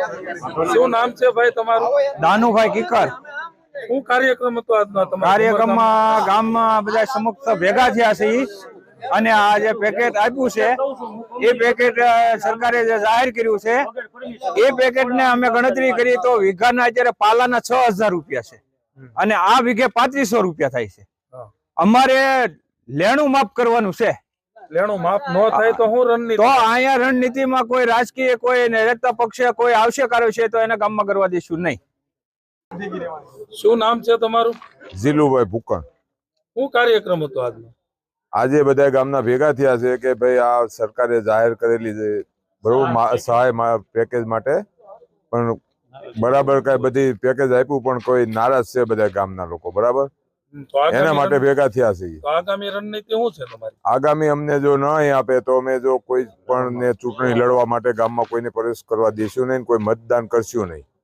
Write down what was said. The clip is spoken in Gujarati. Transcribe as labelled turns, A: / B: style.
A: શું નામ છે ભાઈ તમારું?
B: દાનુભાઈ કિકર।
A: શું કાર્યક્રમ હતો આજનો તમારો?
B: કાર્યક્રમમાં ગામમાં બધા સમક્ષ ભેગા થયા છે અને આ જે પેકેટ આપ્યું છે એ પેકેટ સરકારે જે જાહેર કર્યું છે એ પેકેટને અમે ગણતરી કરી તો વીઘાના અત્યારે પાલાના 6000 રૂપિયા છે અને આ વીઘે 3500 રૂપિયા થાય છે। અમારે લેણું માફ કરવાનું છે।
A: લેણું માફ ન થાય તો શું રણનીતિ?
B: તો અહીંયા રણનીતિમાં કોઈ રાજકીય કોઈ નેતા પક્ષે કોઈ આવશે કર્યો છે તો એને ગામમાં કરવા દઈશું નહીં।
A: શું નામ છે તમારું?
C: જીલુભાઈ ભૂકણ।
A: શું કાર્યક્રમ હતો આજનો?
C: આજે બધા ગામના ભેગા થયા છે કે ભાઈ આ સરકારે જાહેર કરેલી છે બરોબર સહાય પેકેજ માટે, પણ બરાબર કઈ બધી પેકેજ આપ્યું પણ કોઈ નારાજ છે બધા ગામના લોકો, બરાબર એના માટે ભેગા થયા છે।
A: આગામી રણનીતિ શું છે તમારી?
C: આગામી અમને જો નહીં આપે તો અમે જો કોઈ પણ ને ચૂંટણી લડવા માટે ગામમાં કોઈને પ્રવેશ કરવા દઈશું નહીં, કોઈ મતદાન કરશું નહીં।